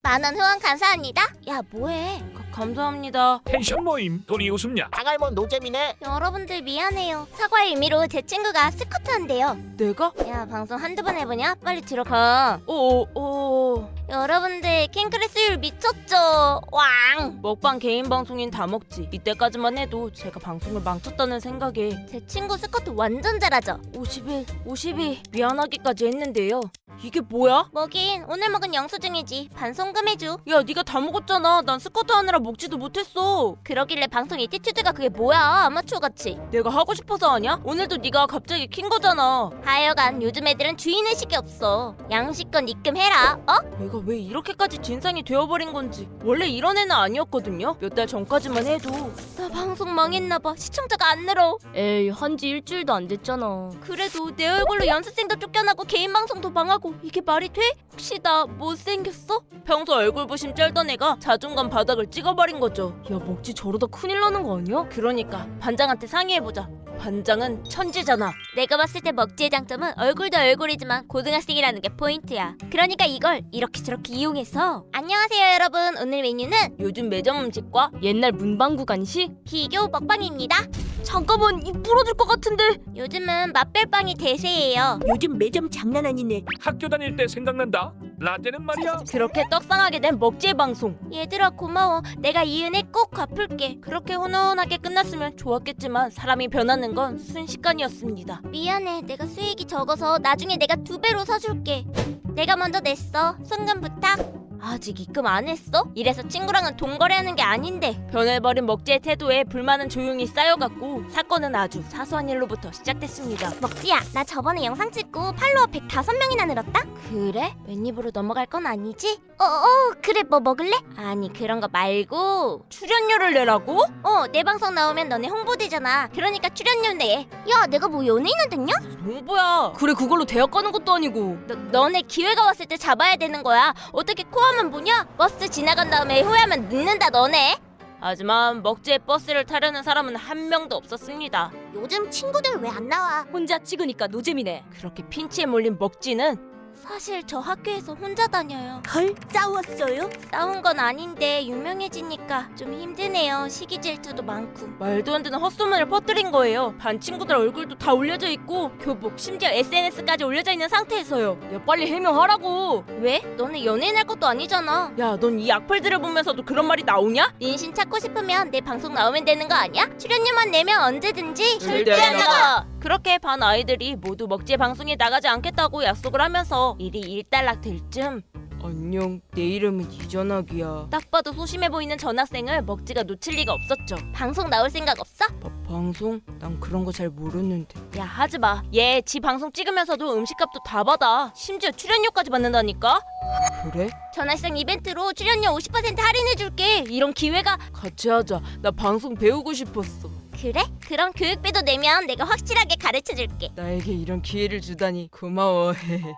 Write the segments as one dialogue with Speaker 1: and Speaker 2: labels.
Speaker 1: 10,000원 후원 감사합니다. 야 뭐해?
Speaker 2: 감사합니다.
Speaker 3: 텐션 모임 돈이 웃음냐?
Speaker 4: 장할몬 노잼이네.
Speaker 1: 여러분들 미안해요. 사과의 의미로 제 친구가 스쿼트 한대요.
Speaker 2: 내가?
Speaker 1: 야 방송 한두 번 해보냐? 빨리 들어가.
Speaker 2: 오.
Speaker 1: 여러분들 킹크레스율 미쳤죠? 왕!
Speaker 2: 먹방 개인 방송인 다 먹지. 이때까지만 해도 제가 방송을 망쳤다는 생각에
Speaker 1: 제 친구 스쿼트 완전 잘하죠?
Speaker 2: 52 미안하기까지 했는데요. 이게 뭐야?
Speaker 1: 뭐긴 오늘 먹은 영수증이지. 반송금해줘.
Speaker 2: 야 네가 다 먹었잖아. 난 스쿼트 하느라 먹지도 못했어.
Speaker 1: 그러길래 방송 이티튜드가 그게 뭐야? 아마추어같이.
Speaker 2: 내가 하고 싶어서 하냐? 오늘도 네가 갑자기 킨 거잖아.
Speaker 1: 하여간 요즘 애들은 주인의식이 없어. 양식권 입금해라. 어?
Speaker 2: 내가 왜 이렇게까지 진상이 되어버린 건지. 원래 이런 애는 아니었거든요. 몇 달 전까지만 해도.
Speaker 1: 나 방송 망했나봐. 시청자가 안 늘어.
Speaker 5: 에이, 한지 일주일도 안 됐잖아.
Speaker 1: 그래도 내 얼굴로 연습생도 쫓겨나고 개인 방송도 망하고 이게 말이 돼? 혹시 나 못생겼어?
Speaker 2: 평소 얼굴 부심 쩔던 애가 자존감 바닥을 찍어버린 거죠.
Speaker 5: 야, 먹지 저러다 큰일 나는 거 아니야?
Speaker 2: 그러니까 반장한테 상의해보자. 반장은 천재잖아.
Speaker 1: 내가 봤을 때 먹지의 장점은 얼굴도 얼굴이지만 고등학생이라는 게 포인트야. 그러니까 이걸 이렇게 저렇게 이용해서. 안녕하세요 여러분. 오늘 메뉴는
Speaker 2: 요즘 매점 음식과
Speaker 5: 옛날 문방구 간식?
Speaker 1: 비교 먹방입니다.
Speaker 5: 잠깐만, 입 부러질 것 같은데.
Speaker 1: 요즘은 맛별빵이 대세예요.
Speaker 6: 요즘 매점 장난 아니네.
Speaker 3: 학교 다닐 때 생각난다. 라떼는 말이야.
Speaker 2: 그렇게 떡상하게 된 먹지의 방송.
Speaker 1: 얘들아 고마워. 내가 이 은혜 꼭 갚을게.
Speaker 2: 그렇게 훈훈하게 끝났으면 좋았겠지만 사람이 변하는 건 순식간이었습니다.
Speaker 1: 미안해. 내가 수익이 적어서 나중에 내가 2배로 사줄게. 내가 먼저 냈어. 송금 부탁. 아직 입금 안 했어? 이래서 친구랑은 돈 거래하는 게 아닌데.
Speaker 2: 변해버린 먹지의 태도에 불만은 조용히 쌓여갔고 사건은 아주 사소한 일로부터 시작됐습니다.
Speaker 1: 먹지야, 나 저번에 영상 찍고 팔로워 105명이나 늘었다? 그래? 웬입으로 넘어갈 건 아니지? 그래 뭐 먹을래? 아니 그런 거 말고
Speaker 2: 출연료를 내라고?
Speaker 1: 내 방송 나오면 너네 홍보되잖아. 그러니까 출연료 내. 야 내가 뭐 연예인은 됐냐?
Speaker 2: 홍보야.
Speaker 5: 그래, 그걸로 대학 가는 것도 아니고.
Speaker 1: 너네 기회가 왔을 때 잡아야 되는 거야. 어떻게 코아만 보냐? 버스 지나간 다음에 후회하면 늦는다 너네.
Speaker 2: 하지만 먹지의 버스를 타려는 사람은 한 명도 없었습니다.
Speaker 1: 요즘 친구들 왜 안 나와?
Speaker 5: 혼자 찍으니까 노잼이네.
Speaker 2: 그렇게 핀치에 몰린 먹지는
Speaker 1: 사실 저 학교에서 혼자 다녀요.
Speaker 6: 헐, 싸웠어요?
Speaker 1: 싸운 건 아닌데 유명해지니까 좀 힘드네요. 시기 질투도 많고.
Speaker 2: 말도 안 되는 헛소문을 퍼뜨린 거예요. 반 친구들 얼굴도 다 올려져 있고 교복 심지어 SNS까지 올려져 있는 상태에서요.
Speaker 5: 야, 빨리 해명하라고.
Speaker 1: 왜? 너네 연예인 할 것도 아니잖아.
Speaker 2: 야, 넌 이 악플들을 보면서도 그런 말이 나오냐?
Speaker 1: 인신 찾고 싶으면 내 방송 나오면 되는 거 아니야? 출연료만 내면 언제든지.
Speaker 2: 절대 안 나가. 그렇게 반 아이들이 모두 먹지의 방송에 나가지 않겠다고 약속을 하면서 일이 일단락 될 쯤 안녕, 내 이름은 이전학이야. 딱 봐도 소심해 보이는 전학생을 먹지가 놓칠 리가 없었죠.
Speaker 1: 방송 나올 생각 없어?
Speaker 2: 방송? 난 그런 거 잘 모르는데. 야, 하지 마. 얘 지 방송 찍으면서도 음식값도 다 받아. 심지어 출연료까지 받는다니까? 그래?
Speaker 1: 전학생 이벤트로 출연료 50% 할인해줄게. 이런 기회가.
Speaker 2: 같이 하자. 나 방송 배우고 싶었어.
Speaker 1: 그래? 그럼 교육비도 내면 내가 확실하게 가르쳐줄게.
Speaker 2: 나에게 이런 기회를 주다니 고마워.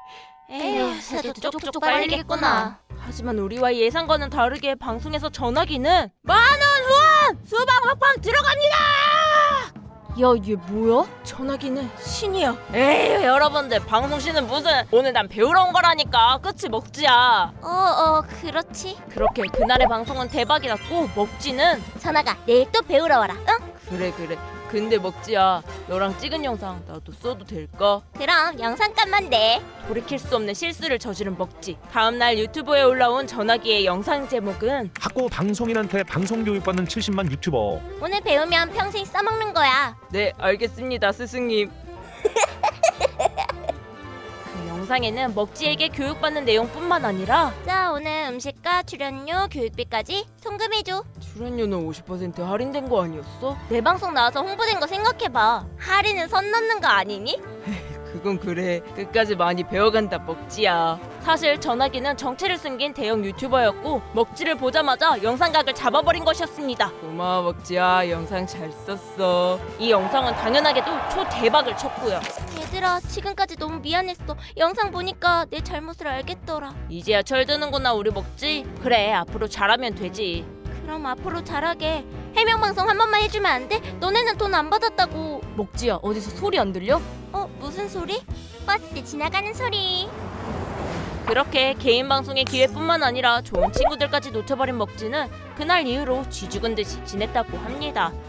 Speaker 1: 에휴, 새도 쪽쪽 빨리겠구나.
Speaker 2: 하지만 우리와 예상과는 다르게 방송에서 전화기는 10,000원 후원! 수방 먹방 들어갑니다!
Speaker 5: 야, 얘 뭐야?
Speaker 2: 전화기는 신이야. 에이, 여러분들 방송신은 무슨. 오늘 난 배우러 온 거라니까. 끝이 먹지야.
Speaker 1: 그렇지.
Speaker 2: 그렇게 그날의 방송은 대박이 났고 먹지는
Speaker 1: 전화가 내일 또 배우러 와라. 응?
Speaker 2: 그래. 근데 먹지야, 너랑 찍은 영상 나도 써도 될까?
Speaker 1: 그럼 영상값만 내.
Speaker 2: 돌이킬 수 없는 실수를 저지른 먹지. 다음날 유튜브에 올라온 전화기의 영상 제목은
Speaker 7: 학고 방송인한테 방송 교육받는 70만 유튜버.
Speaker 1: 오늘 배우면 평생 써먹는 거야.
Speaker 2: 네, 알겠습니다, 스승님. 그 영상에는 먹지에게 교육받는 내용뿐만 아니라
Speaker 1: 자, 오늘 음식과 출연료, 교육비까지 송금해줘.
Speaker 2: 출연료는 50% 할인된 거 아니었어?
Speaker 1: 내 방송 나와서 홍보된 거 생각해봐. 할인은 선 넘는 거 아니니?
Speaker 2: 그건 그래. 끝까지 많이 배워간다, 먹지야. 사실 전화기는 정체를 숨긴 대형 유튜버였고 먹지를 보자마자 영상각을 잡아버린 것이었습니다. 고마워, 먹지야. 영상 잘 썼어. 이 영상은 당연하게도 초대박을 쳤고요.
Speaker 1: 얘들아, 지금까지 너무 미안했어. 영상 보니까 내 잘못을 알겠더라.
Speaker 2: 이제야 철드는구나, 우리 먹지. 그래, 앞으로 잘하면 되지.
Speaker 1: 그럼 앞으로 잘하게. 해명방송 한 번만 해주면 안 돼? 너네는 돈 안 받았다고.
Speaker 5: 먹지야, 어디서 소리 안 들려?
Speaker 1: 무슨 소리? 버스 지나가는 소리.
Speaker 2: 그렇게 개인 방송의 기회뿐만 아니라 좋은 친구들까지 놓쳐버린 먹지는 그날 이후로 쥐 죽은 듯이 지냈다고 합니다.